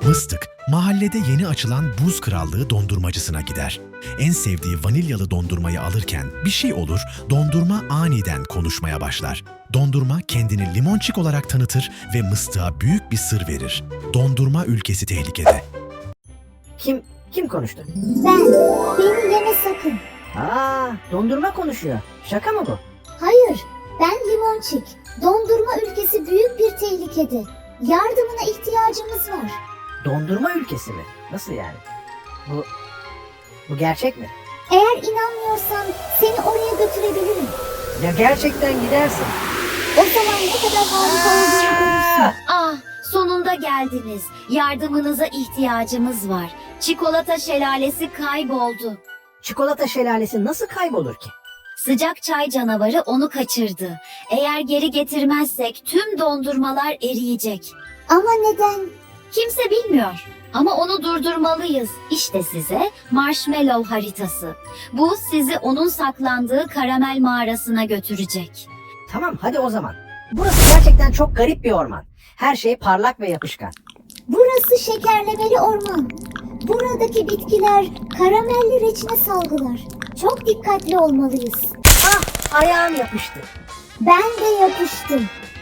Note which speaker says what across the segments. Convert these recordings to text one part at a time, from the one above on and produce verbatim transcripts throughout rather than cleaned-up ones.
Speaker 1: Mıstık, mahallede yeni açılan Buz Krallığı dondurmacısına gider. En sevdiği vanilyalı dondurmayı alırken bir şey olur, dondurma aniden konuşmaya başlar. Dondurma kendini limonçik olarak tanıtır ve Mıstık'a büyük bir sır verir. Dondurma ülkesi tehlikede.
Speaker 2: Kim kim konuştu?
Speaker 3: Ben. Beni yeme sakın.
Speaker 2: Aa, dondurma konuşuyor. Şaka mı bu?
Speaker 3: Hayır. Ben Limonçik. Dondurma ülkesi büyük bir tehlikede. Yardımına ihtiyacımız var.
Speaker 2: Dondurma ülkesi mi? Nasıl yani? Bu bu gerçek mi?
Speaker 3: Eğer inanmıyorsan seni oraya götürebilirim.
Speaker 2: Ya gerçekten gidersin?
Speaker 3: O zaman ne kadar harika olduğunu görürsün.
Speaker 4: Ah, sonunda geldiniz. Yardımınıza ihtiyacımız var. Çikolata şelalesi kayboldu.
Speaker 2: Çikolata şelalesi nasıl kaybolur ki?
Speaker 4: Sıcak çay canavarı onu kaçırdı. Eğer geri getirmezsek tüm dondurmalar eriyecek.
Speaker 3: Ama neden?
Speaker 4: Kimse bilmiyor. Ama onu durdurmalıyız. İşte size marshmallow haritası. Bu sizi onun saklandığı karamel mağarasına götürecek.
Speaker 2: Tamam, hadi o zaman. Burası gerçekten çok garip bir orman. Her şey parlak ve yapışkan.
Speaker 3: Burası şekerlemeli orman. Buradaki bitkiler karamelli reçine salgılar. Çok dikkatli olmalıyız.
Speaker 2: Ah, ayağım yapıştı.
Speaker 3: Ben de yapıştım.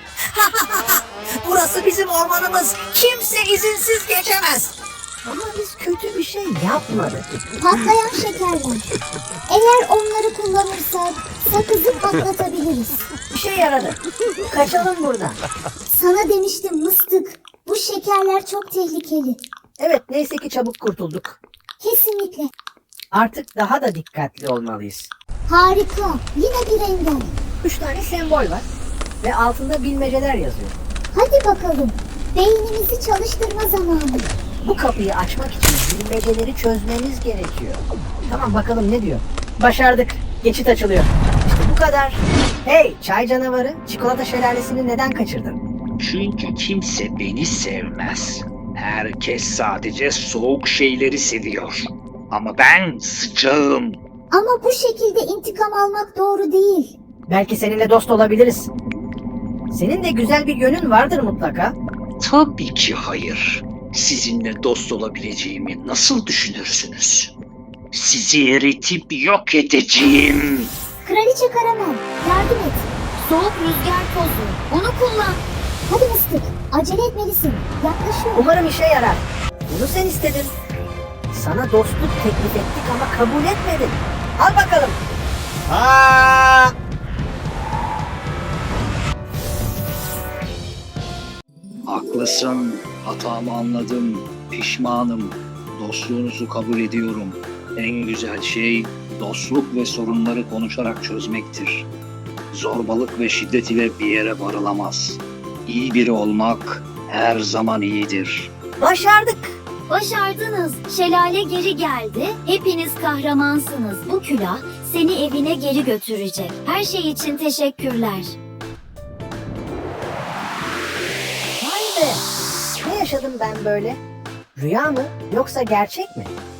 Speaker 2: Burası bizim ormanımız. Kimse izinsiz geçemez. Ama biz kötü bir şey yapmadık.
Speaker 3: Patlayan şekerler. Eğer onları kullanırsak sakızı patlatabiliriz.
Speaker 2: İşe yaradı. Kaçalım buradan.
Speaker 3: Sana demiştim Mıstık. Bu şekerler çok tehlikeli.
Speaker 2: Evet, neyse ki çabuk kurtulduk.
Speaker 3: Kesinlikle.
Speaker 2: Artık daha da dikkatli olmalıyız.
Speaker 3: Harika. Yine bir engel.
Speaker 2: Üç tane sembol var ve altında bilmeceler yazıyor.
Speaker 3: Hadi bakalım. Beynimizi çalıştırma zamanı.
Speaker 2: Bu kapıyı açmak için bilmeceleri çözmemiz gerekiyor. Tamam, bakalım ne diyor. Başardık. Geçit açılıyor. İşte bu kadar. Hey çay canavarı, çikolata şelalesini neden kaçırdın?
Speaker 5: Çünkü kimse beni sevmez. Herkes sadece soğuk şeyleri seviyor. Ama ben sıcağım.
Speaker 3: Ama bu şekilde intikam almak doğru değil.
Speaker 2: Belki seninle dost olabiliriz. Senin de güzel bir yönün vardır mutlaka.
Speaker 5: Tabii ki hayır. Sizinle dost olabileceğimi nasıl düşünürsünüz? Sizi eritip yok edeceğim.
Speaker 3: Kraliçe Karamel, yardım et.
Speaker 4: Soğuk rüzgar tozu. Onu kullan.
Speaker 3: Hadi Mıstık, acele etmelisin. Yaklaşıyor.
Speaker 2: Umarım işe yarar. Bunu sen istedin. Sana dostluk teklif ettik ama kabul etmedin. Al bakalım. Aa!
Speaker 5: Haklısın. Hatamı anladım. Pişmanım. Dostluğunuzu kabul ediyorum. En güzel şey dostluk ve sorunları konuşarak çözmektir. Zorbalık ve şiddet ile bir yere varılamaz. İyi biri olmak her zaman iyidir.
Speaker 2: Başardık.
Speaker 4: Başardınız. Şelale geri geldi. Hepiniz kahramansınız. Bu külah seni evine geri götürecek. Her şey için teşekkürler.
Speaker 2: Vay be. Ne yaşadım ben böyle? Rüya mı yoksa gerçek mi?